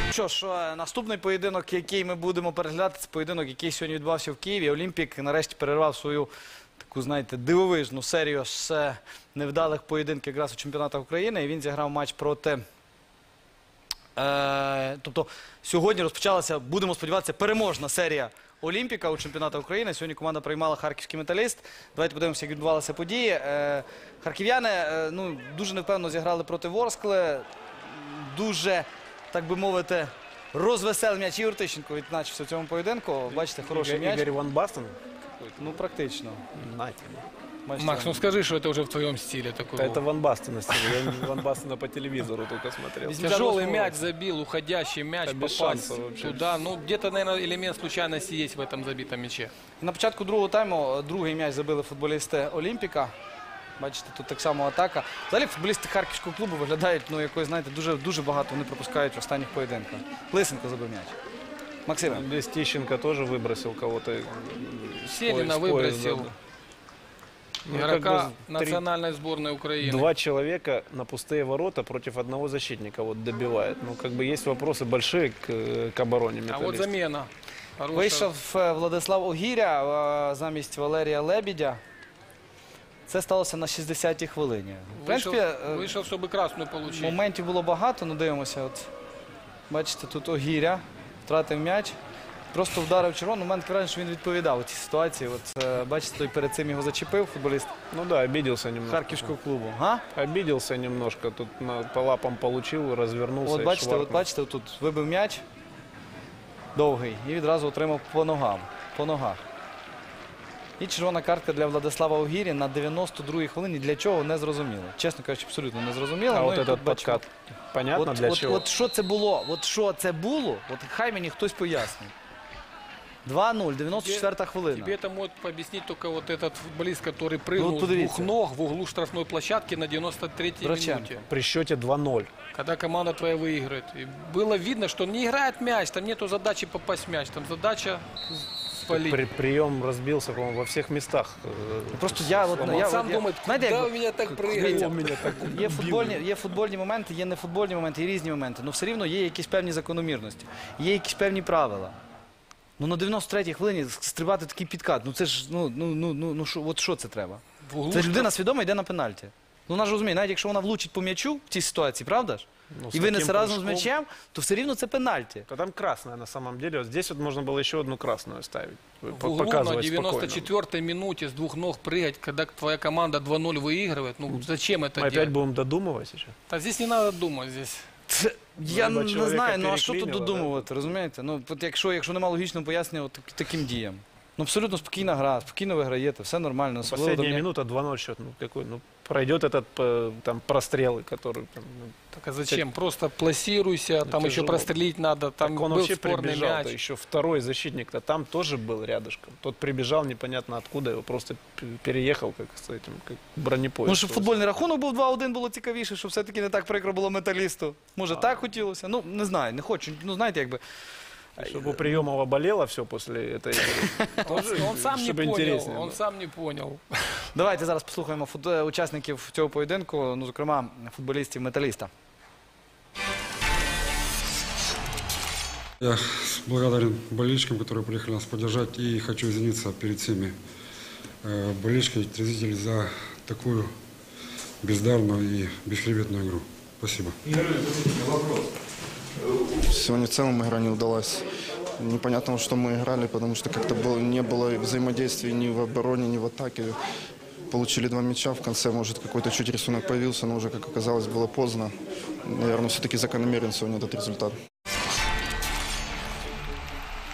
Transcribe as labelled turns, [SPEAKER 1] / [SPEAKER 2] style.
[SPEAKER 1] Що ж, наступний поєдинок, який ми будемо переглядати, це поєдинок, який сьогодні відбувався в Києві. Олімпік нарешті перервав свою таку, знаєте, дивовижну серію з невдалих поєдинків якраз у чемпіонатах України. І він зіграв матч проти... Тобто сьогодні розпочалася, будемо сподіватися, переможна серія Олімпіка у чемпіонатах України. Сьогодні команда приймала харківський Металіст. Давайте подивимося, як відбувалися події. Харків'яни дуже невпевнено зіграли проти Ворскли. Дуже, так би мовити, розвеселий м'яч. Ігор Тищенко відзначився в цьому поєдинку. Бачите, хороший м'яч.
[SPEAKER 2] Игорь Ван Бастен?
[SPEAKER 1] Ну, практично.
[SPEAKER 3] Макс, ну скажи, что это уже в твоем стиле такой.
[SPEAKER 2] Да это Ван Бастена стиль. Я Ван Бастена по телевизору только смотрел.
[SPEAKER 3] Тяжелый мяч забил, уходящий мяч,
[SPEAKER 2] Да без
[SPEAKER 3] попасть
[SPEAKER 2] шансов вообще.
[SPEAKER 3] туда. Ну, где-то, наверное, элемент случайности есть в этом забитом мяче.
[SPEAKER 1] На початку другого тайму другий м'яч забили футболісти Олімпіка. Бачите, тут так само атака. Взагалі футболісти Харківського клубу виглядають, ну, якось, знаєте, дуже багато вони пропускають в останніх поєдинках. Лисенко забив м'яч. Максиме.
[SPEAKER 2] Здесь Тищенко тоже выбросил кого-то.
[SPEAKER 3] Селина выбросил игрока национальной сборной Украины.
[SPEAKER 2] Два человека на пустые ворота против одного защитника вот добивает. Ну, как бы есть вопросы большие к обороне
[SPEAKER 3] А
[SPEAKER 2] Металлиста.
[SPEAKER 3] вот замена. Хорошая.
[SPEAKER 1] Вийшов Владислав Огіря замість Валерія Лебедя. Це сталося на 60-й хвилині. В принципі,
[SPEAKER 3] Вышел, чтобы красную получить.
[SPEAKER 1] моментів було багато, ну дивимося. От, бачите, тут Огіря втратив м'яч. Просто вдарив червону. У мене таке враження, що він відповідав у цій ситуації. От, бачите, той перед цим його зачепив футболіст
[SPEAKER 2] Ну да, обиделся немножко.
[SPEAKER 1] Харківського клубу. Га?
[SPEAKER 2] Обиделся немножко. Тут по лапам получил, развернулся.
[SPEAKER 1] От
[SPEAKER 2] и
[SPEAKER 1] бачите,
[SPEAKER 2] шваркнул.
[SPEAKER 1] тут вибив м'яч довгий і відразу отримав по ногах. І червона картка для Владислава Огірі на 92-й хвилині. Для чого? Не зрозуміло. Чесно кажучи, абсолютно не зрозуміло.
[SPEAKER 2] А
[SPEAKER 1] Ну,
[SPEAKER 2] вот
[SPEAKER 1] і
[SPEAKER 2] этот
[SPEAKER 1] тут бачимо.
[SPEAKER 2] подкат, понятно для чего?
[SPEAKER 1] От що це було? От що це було? От хай мені хтось пояснить. 2-0, 94-та хвилина.
[SPEAKER 3] Тебе это может объяснить только вот этот футболист, который прыгнул
[SPEAKER 1] вот
[SPEAKER 3] с двух
[SPEAKER 1] подивіться.
[SPEAKER 3] ног в углу штрафной площадки на 93-й
[SPEAKER 1] Драченко.
[SPEAKER 3] минуте.
[SPEAKER 2] При счете 2-0.
[SPEAKER 3] Когда команда твоя выиграет. И было видно, что не играет мяч, там нету задачи попасть в мяч, там задача спалить.
[SPEAKER 2] Прием разбился, по-моему, во всех местах.
[SPEAKER 1] Просто я от,
[SPEAKER 3] Он сам думает,
[SPEAKER 1] знаєте,
[SPEAKER 3] куда
[SPEAKER 1] як
[SPEAKER 3] у меня так
[SPEAKER 1] дивіться,
[SPEAKER 3] прыгает.
[SPEAKER 1] є футбольні моменти, є нефутбольні моменти, є різні моменти. Ну все рівно є якісь певні закономірності, є якісь певні правила. Ну на 93-й хвилині стрибати такий підкат, ну це ж, от що це треба?
[SPEAKER 3] В углу
[SPEAKER 1] Це ж людина свідомо йде на пенальті. Ну вона ж розуміє, навіть якщо вона влучить по м'ячу в цій ситуації, правда ж?
[SPEAKER 2] Ну,
[SPEAKER 1] І винесе разом з м'ячем, то все рівно це пенальті.
[SPEAKER 2] Да там красная на самом деле. Вот здесь вот можно было еще одну красную ставить.
[SPEAKER 3] В углу на
[SPEAKER 2] Показывать спокойно.
[SPEAKER 3] 94-й минуте с двух ног прыгать, когда твоя команда 2-0 выигрывает. Ну зачем это
[SPEAKER 2] Мы опять
[SPEAKER 3] делать?
[SPEAKER 2] будем додумывать сейчас.
[SPEAKER 3] Да здесь не надо думать. Здесь.
[SPEAKER 1] Я
[SPEAKER 2] Либо
[SPEAKER 1] не
[SPEAKER 2] чоловіка
[SPEAKER 1] знаю, ну а що тут
[SPEAKER 2] переклинило,
[SPEAKER 1] додумувати, розумієте? Ну, от якщо немає логічного пояснення от таким діям. Ну, абсолютно спокійна гра, спокійно виграєте, все нормально.
[SPEAKER 2] Последняя минута 2-0 счет. Ну, какой, ну, пройдет этот там прострелы, который... Там, ну,
[SPEAKER 3] Так а зачем? Просто плассируйся, там еще
[SPEAKER 2] тяжело.
[SPEAKER 3] прострелить надо. Там
[SPEAKER 2] так он
[SPEAKER 3] был
[SPEAKER 2] вообще
[SPEAKER 3] спорный
[SPEAKER 2] прибежал,
[SPEAKER 3] мяч.
[SPEAKER 2] еще второй защитник-то там тоже был рядышком. Тот прибежал непонятно откуда, его просто переехал как с этим, как бронепоезд.
[SPEAKER 1] Ну, щоб футбольний рахунок був 2-1, було цікавіше, щоб все-таки не так прикро було Металісту. Може, так хотілося? Ну, не знаю, не хочу. Ну, знаєте, якби...
[SPEAKER 2] Чтобы у Приемова болело все после этой игры.
[SPEAKER 3] Он сам не
[SPEAKER 2] Чтобы
[SPEAKER 3] понял.
[SPEAKER 2] интереснее
[SPEAKER 3] Он
[SPEAKER 2] было.
[SPEAKER 3] сам не понял.
[SPEAKER 1] Давайте зараз послухаємо учасників цього поєдинку, ну, зокрема, футболістів Металіста.
[SPEAKER 4] Я благодарен болельщикам, которые приехали нас поддержать, и хочу извиниться перед всеми болельщиками, зрителей за такую бездарную и бесхребетную игру. Спасибо.
[SPEAKER 5] Сегодня в целом игра не удалась. Непонятно, что мы играли, потому что как-то не было взаимодействия ни в обороне, ни в атаке. Получили 2 мяча, в конце, может, какой-то чуть рисунок появился, но уже, как оказалось, было поздно. Наверное, все-таки закономерен сегодня этот результат.